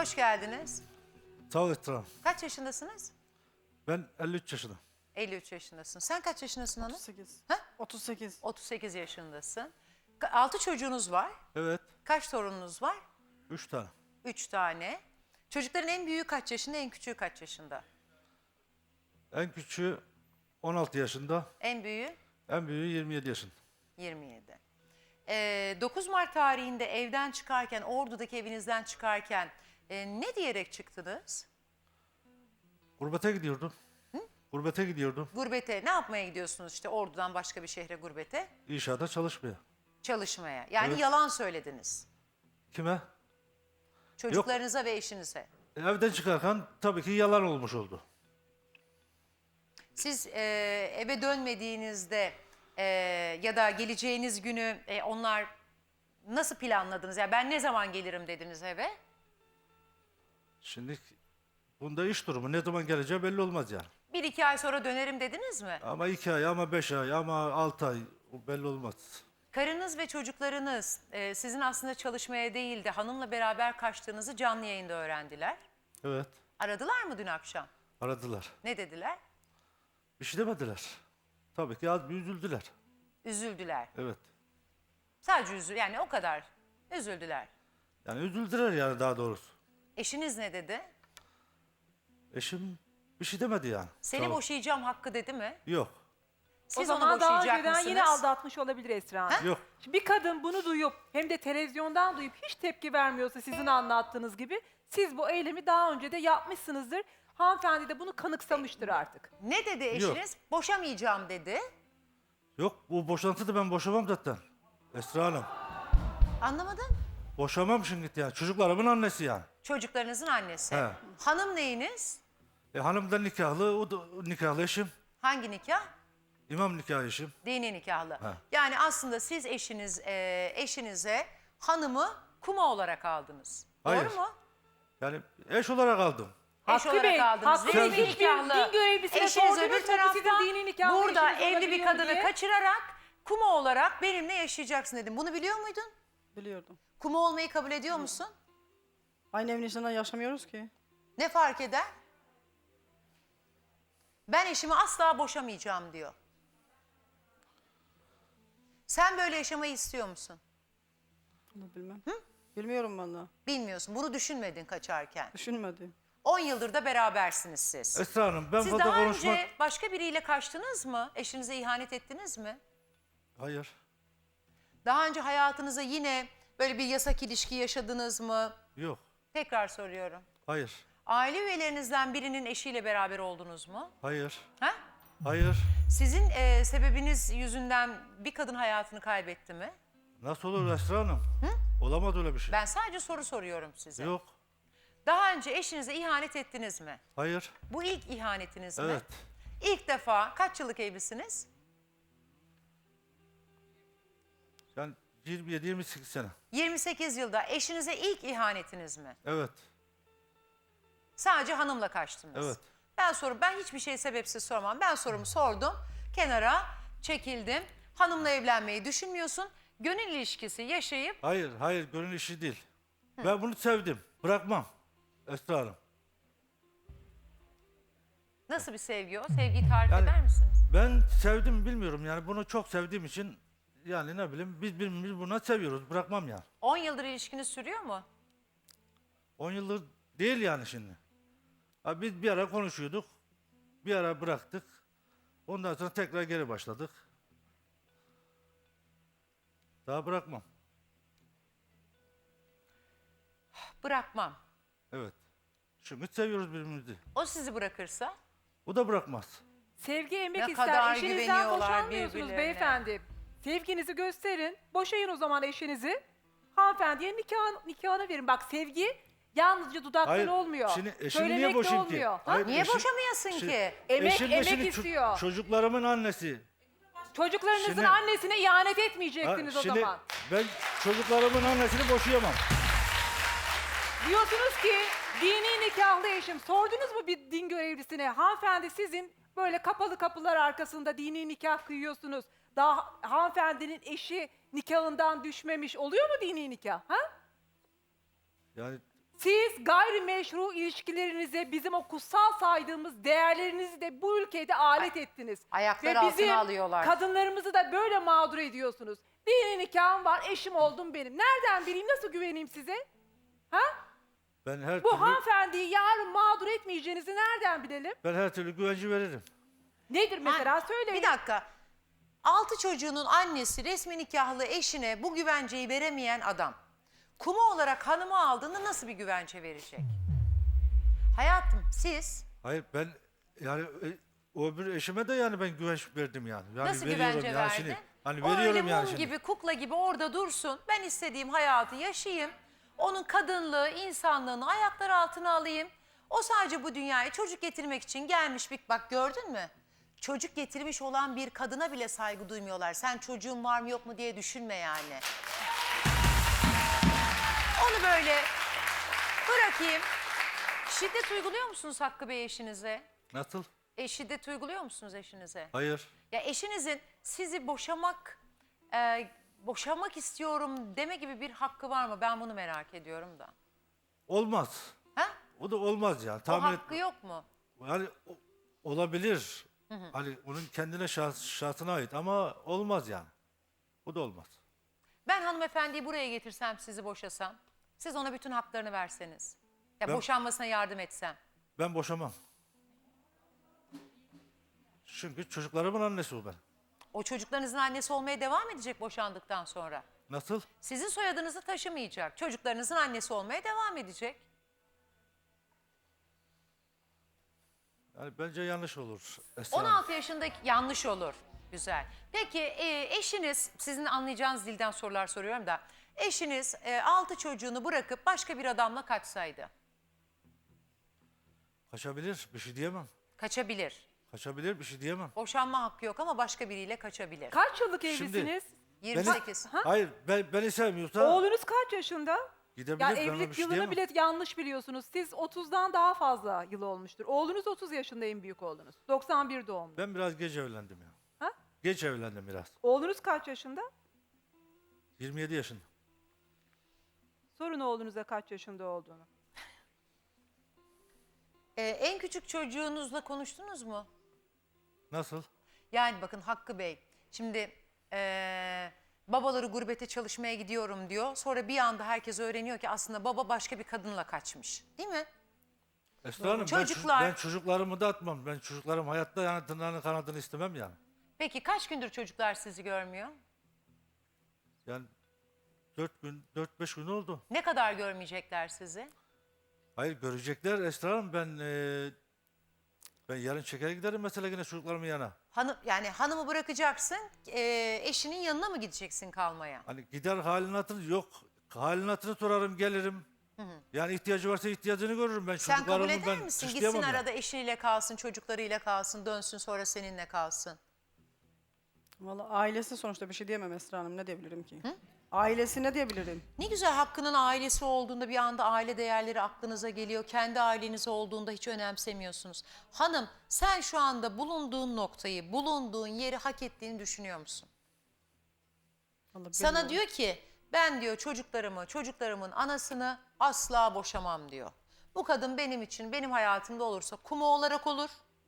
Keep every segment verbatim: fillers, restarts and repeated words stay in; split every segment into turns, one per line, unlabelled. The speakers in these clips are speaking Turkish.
Hoş geldiniz.
Sağ ol Esra Hanım.
Kaç yaşındasınız?
Ben elli üç yaşındayım.
elli üç yaşındasın. Sen kaç yaşındasın hanım?
otuz sekiz.
Ha?
otuz sekiz.
otuz sekiz yaşındasın. altı çocuğunuz var.
Evet.
Kaç torununuz var?
Üç tane.
üç tane. Çocukların en büyüğü kaç yaşında, en küçüğü kaç yaşında?
En küçüğü on altı yaşında.
En büyüğü
En büyüğü yirmi yedi yaşında.
yirmi yedi. Ee, dokuz Mart tarihinde evden çıkarken, Ordu'daki evinizden çıkarken e, ne diyerek çıktınız?
Gurbete gidiyordum. Hı? Gurbete gidiyordum.
Gurbete. Ne yapmaya gidiyorsunuz işte Ordu'dan başka bir şehre gurbete?
İnşaata çalışmaya.
Çalışmaya. Yani
Evet.
yalan söylediniz.
Kime?
Çocuklarınıza ve eşinize.
Evden çıkarken tabii ki yalan olmuş oldu.
Siz e, eve dönmediğinizde e, ya da geleceğiniz günü e, onlar nasıl planladınız? Yani ben ne zaman gelirim dediniz eve?
Şimdi bunda iş durumu ne zaman geleceği belli olmaz yani.
Bir iki ay sonra dönerim dediniz mi?
Ama iki ay, ama beş ay, ama altı ay o belli olmaz.
Karınız ve çocuklarınız e, sizin aslında çalışmaya değil de hanımla beraber kaçtığınızı canlı yayında öğrendiler.
Evet.
Aradılar mı dün akşam?
Aradılar.
Ne dediler?
Bir şey demediler. Tabii ki az bir üzüldüler.
Üzüldüler.
Evet.
Sadece üzül, yani o kadar üzüldüler.
Yani üzüldüler yani daha doğrusu.
Eşiniz ne dedi?
Eşim bir şey demedi yani.
Seni
Tamam.
boşayacağım hakkı dedi mi?
Yok.
Siz
O
onu
zaman daha
boşayacak
önceden
mısınız?
yine aldatmış olabilir Esra Hanım.
Yok.
Şimdi bir kadın bunu duyup hem de televizyondan duyup hiç tepki vermiyorsa sizin anlattığınız gibi siz bu eylemi daha önce de yapmışsınızdır. Hanımefendi de bunu kanıksamıştır artık.
Ne dedi eşiniz? Boşamayacağım dedi.
Yok, bu boşantıda ben boşamam zaten. Esra Hanım.
Anlamadım.
Boşamam şimdi yani. Çocuklarımın annesi yani.
Çocuklarınızın annesi.
He.
Hanım neyiniz?
E, hanım da nikahlı, o da nikahlı eşim.
Hangi nikah?
İmam nikahı eşim.
Dini nikahlı.
He.
Yani aslında siz eşiniz e, eşinize hanımı kuma olarak aldınız.
Hayır.
Doğru mu?
Yani eş olarak aldım.
Eş
Hakkı
olarak
Bey,
aldınız.
Hakkı
Dini
Bey hiçbir
nikahlı.
din görevlisine
Eşiniz
sordunuz
öbür
mu
tarafta
sizin dini nikahlı
burada
eşiniz
evli bir
olabiliyor
kadını
diye?
kaçırarak kuma olarak benimle yaşayacaksın dedim. Bunu biliyor muydun?
Biliyordum.
Kuma olmayı kabul ediyor musun?
Aynı evin içinde yaşamıyoruz ki.
Ne fark eder? Ben eşimi asla boşamayacağım diyor. Sen böyle yaşamayı istiyor musun?
Bunu bilmem. Bilmiyorum valla.
Bilmiyorsun. Bunu düşünmedin kaçarken.
Düşünmedim.
on yıldır da berabersiniz siz.
Esra Hanım ben
Siz
fazla
daha
konuşmak...
önce başka biriyle kaçtınız mı? Eşinize ihanet ettiniz mi?
Hayır.
Daha önce hayatınıza yine böyle bir yasak ilişki yaşadınız mı?
Yok.
Tekrar soruyorum.
Hayır.
Aile üyelerinizden birinin eşiyle beraber oldunuz mu?
Hayır.
Ha?
Hayır.
Sizin e, sebebiniz yüzünden bir kadın hayatını kaybetti mi?
Nasıl olur Esra Hanım? Olamaz öyle bir şey.
Ben sadece soru soruyorum size.
Yok.
Daha önce eşinize ihanet ettiniz mi?
Hayır.
Bu ilk ihanetiniz mi?
Evet.
İlk defa kaç yıllık evlisiniz?
Yani yirmi yedi yirmi sekiz sene.
yirmi sekiz yılda eşinize ilk ihanetiniz mi?
Evet.
Sadece hanımla kaçtınız.
Evet.
Ben sorum, ben hiçbir şey sebepsiz sormam. Ben sorumu sordum, kenara çekildim. Hanımla evlenmeyi düşünmüyorsun. Gönül ilişkisi yaşayıp
Hayır. Hayır. Gönül işi değil. Ben bunu sevdim. Bırakmam. Esra Hanım.
nasıl bir sevgi o? Sevgiyi tarif
Yani-
eder misiniz?
Ben sevdim bilmiyorum yani bunu çok sevdiğim için yani ne bileyim biz birbirimizi buna seviyoruz, bırakmam yani.
on yıldır ilişkiniz sürüyor mu?
on yıldır değil yani şimdi. Ha, biz bir ara konuşuyorduk, bir ara bıraktık. Ondan sonra tekrar geri başladık. Daha bırakmam.
Bırakmam.
Evet. Çünkü seviyoruz birbirimizi.
O sizi bırakırsa?
O da bırakmaz.
Sevgi emek
Ne
ister.
kadar
Eşinizden
güveniyorlar
boşanmıyorsunuz
birbirlerine.
beyefendi. Sevginizi gösterin. Boşayın o zaman eşinizi. Hanımefendiye nikah, nikahını verin. Bak sevgi yalnızca dudaktan
Hayır,
olmuyor.
şimdi eşimi
Söylemekle
niye boşayayım ki?
olmuyor. Ha?
Hayır,
Niye
eşim-
boşamayasın
Şimdi-
ki?
Emek,
Eşim de
emek
şimdi ço-
istiyor.
çocuklarımın annesi.
Çocuklarınızın
Şimdi-
annesine ihanet
Ha,
etmeyecektiniz o
şimdi
zaman.
ben çocuklarımın annesini boşayamam.
Diyorsunuz ki dini nikahlı eşim. Sordunuz mu bir din görevlisine? Hanımefendi sizin böyle kapalı kapılar arkasında dini nikah kıyıyorsunuz. Daha hanımefendinin eşi nikahından düşmemiş. Oluyor mu dini nikah? Ha?
Yani
Siz gayrimeşru ilişkilerinize bizim o kutsal saydığımız değerlerinizi de bu ülkede alet ettiniz.
ayaklar
Ve
altına
bizim
alıyorlar.
kadınlarımızı da böyle mağdur ediyorsunuz. Dini nikahım var, eşim oldum benim. Nereden bileyim, nasıl güveneyim size? Ha?
Ben her
Bu
türlü
hanımefendiyi yarın mağdur etmeyeceğinizi nereden bilelim?
ben her türlü güvence veririm.
Nedir mesela,
Ha,
söyleyin.
Bir dakika. Altı çocuğunun annesi resmi nikahlı eşine bu güvenceyi veremeyen adam. Kuma olarak hanımı aldığında nasıl bir güvence verecek? Hayatım siz
Hayır ben yani e, o öbür eşime de yani ben güvenç verdim yani. yani
nasıl
veriyorum
güvence
yani
verdin?
şimdi. Hani
O öyle
veriyorum
mum
yani şimdi.
gibi, kukla gibi orada dursun. Ben istediğim hayatı yaşayayım. Onun kadınlığı, insanlığını ayaklar altına alayım. O sadece bu dünyaya çocuk getirmek için gelmiş bir... Bak gördün mü? Çocuk getirmiş olan bir kadına bile saygı duymuyorlar. Sen çocuğun var mı yok mu diye düşünme yani. Onu böyle bırakayım. Şiddet uyguluyor musunuz Hakkı Bey eşinize?
Nasıl?
E, şiddet uyguluyor musunuz eşinize?
Hayır.
Ya eşinizin sizi boşamak, e, boşamak istiyorum deme gibi bir hakkı var mı? Ben bunu merak ediyorum da.
Olmaz.
Ha?
O da olmaz yani.
O
Tahmin et-
hakkı yok mu?
Yani o- olabilir. Hani onun kendine şahs, şahsına ait ama olmaz yani. O da olmaz.
Ben hanımefendiyi buraya getirsem, sizi boşasam, siz ona bütün haklarını verseniz, ya
Ben-
boşanmasına yardım etsem.
Ben boşamam. Çünkü çocuklarımın annesi o ben.
O çocuklarınızın annesi olmaya devam edecek boşandıktan sonra.
Nasıl?
Sizin soyadınızı taşımayacak. Çocuklarınızın annesi olmaya devam edecek.
Yani bence yanlış olur. Esra
on
Hanım.
altı yaşındaki yanlış olur. Güzel. Peki e, eşiniz, sizin anlayacağınız dilden sorular soruyorum da. Eşiniz e, altı çocuğunu bırakıp başka bir adamla kaçsaydı.
Kaçabilir. Bir şey diyemem.
Kaçabilir.
Kaçabilir. Bir şey diyemem.
Boşanma hakkı yok ama başka biriyle kaçabilir.
Kaç yıllık
Şimdi-
evlisiniz?
yirmi sekiz.
Hayır. Ben, beni sevmiyorsa
Oğlunuz kaç yaşında?
gidebilir.
Ya
Ben ona bir
evlilik
şey
yılını
diyemem.
bile yanlış biliyorsunuz. Siz otuzdan daha fazla yıl olmuştur. Oğlunuz otuz yaşında, en büyük oğlunuz. doksan bir doğumlu.
Ben biraz geç evlendim ya.
Ha?
Geç evlendim biraz.
Oğlunuz kaç yaşında?
yirmi yedi yaşında.
Sorun oğlunuza kaç yaşında olduğunu.
E, en küçük çocuğunuzla konuştunuz mu?
Nasıl?
Yani bakın Hakkı Bey, şimdi e, babaları gurbete çalışmaya gidiyorum diyor. Sonra bir anda herkes öğreniyor ki aslında baba başka bir kadınla kaçmış. Değil mi?
Esra Hanım ben,
Çocuklar-
çocuk- ben çocuklarımı da atmam. Ben çocuklarım hayatta yani tırnağını kanadını istemem yani.
Peki kaç gündür çocuklar sizi görmüyor?
Yani dört gün, dört beş gün oldu.
Ne kadar görmeyecekler sizi?
Hayır görecekler Esra Hanım ben e, ben yarın çeker giderim mesela yine çocuklarımın yana.
Hanım, yani hanımı bırakacaksın, e, eşinin yanına mı gideceksin kalmaya?
Hani gider halini hatırı yok. Halini hatırını sorarım gelirim. Yani ihtiyacı varsa ihtiyacını görürüm ben
Sen kabul
çocuklarımı
eder
ben
misin?
suçlayamam
Gitsin
yani.
arada eşiyle kalsın, çocuklarıyla kalsın, dönsün sonra seninle kalsın.
Vallahi ailesi sonuçta, bir şey diyemem Esra Hanım. Ne diyebilirim ki? Ailesi ne diyebilirim?
Ne güzel Hakkı'nın ailesi olduğunda bir anda aile değerleri aklınıza geliyor. Kendi aileniz olduğunda hiç önemsemiyorsunuz. Hanım sen şu anda bulunduğun noktayı, bulunduğun yeri hak ettiğini düşünüyor musun?
Vallahi
Sana
bilmiyorum.
diyor ki ben diyor çocuklarımı, çocuklarımın anasını asla boşamam diyor. Bu kadın benim için, benim hayatımda olursa kuma olarak olur.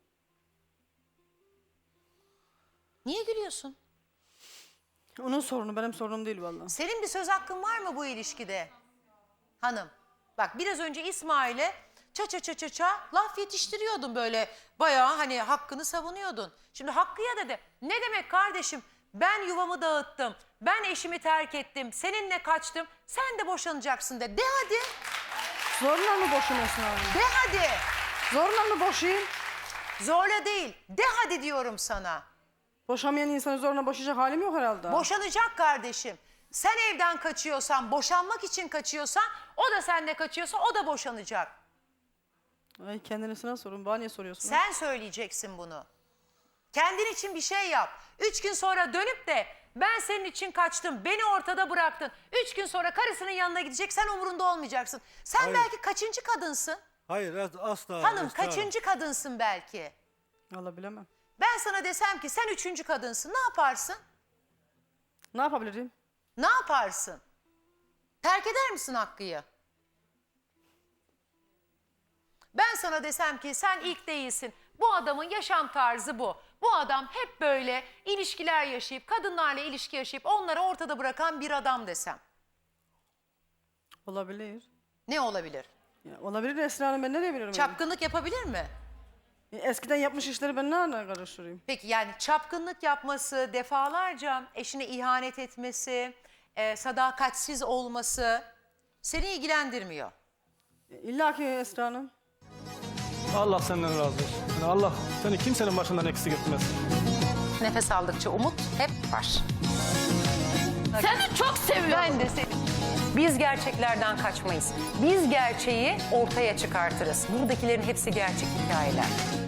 Niye gülüyorsun?
Onun sorunu benim sorunum değil vallahi.
Senin bir söz hakkın var mı bu ilişkide? Hanım. Bak biraz önce İsmail'e ça ça ça ça ça laf yetiştiriyordun böyle. Bayağı hani hakkını savunuyordun. Şimdi Hakkı'ya dedi. Ne demek kardeşim? Ben yuvamı dağıttım. Ben eşimi terk ettim. Seninle kaçtım. Sen de boşanacaksın de. De hadi.
Zorla mı boşayım Esra Hanım?
De hadi.
Zorla mı boşayayım?
Zorla değil. De hadi diyorum sana.
Boşamayan insanı zorla boşayacak halim yok herhalde.
Boşanacak kardeşim. Sen evden kaçıyorsan, boşanmak için kaçıyorsan, o da sende kaçıyorsa o da boşanacak.
Ay kendisine sorun. Bana niye soruyorsun?
Sen söyleyeceksin bunu. Kendin için bir şey yap. Üç gün sonra dönüp de ben senin için kaçtım, beni ortada bıraktın. Üç gün sonra karısının yanına gidecek, sen umurunda olmayacaksın. Sen
Hayır.
belki kaçıncı kadınsın?
Hayır as- asla.
Hanım
Esra Hanım.
kaçıncı kadınsın belki?
Vallahi bilemem.
Ben sana desem ki sen üçüncü kadınsın, ne yaparsın?
Ne yapabilirim?
Ne yaparsın? Terk eder misin Hakkı'yı? Ben sana desem ki sen ilk değilsin. Bu adamın yaşam tarzı bu. Bu adam hep böyle ilişkiler yaşayıp, kadınlarla ilişki yaşayıp onları ortada bırakan bir adam desem.
Olabilir.
Ne olabilir?
Ya, olabilir de Esra Hanım, ben ne diyebilirim?
Çapkınlık yapabilir mi?
Yani? Eskiden yapmış işleri ben nereden karıştırayım?
Peki yani çapkınlık yapması, defalarca eşine ihanet etmesi, e, sadakatsiz olması seni ilgilendirmiyor.
İlla ki Esra Hanım.
Allah senden razı olsun. Yani Allah seni kimsenin başından eksik etmez.
Nefes aldıkça umut hep var.
Seni çok seviyorum.
Ben de seni. Biz gerçeklerden kaçmayız. Biz gerçeği ortaya çıkartırız. Buradakilerin hepsi gerçek hikayeler.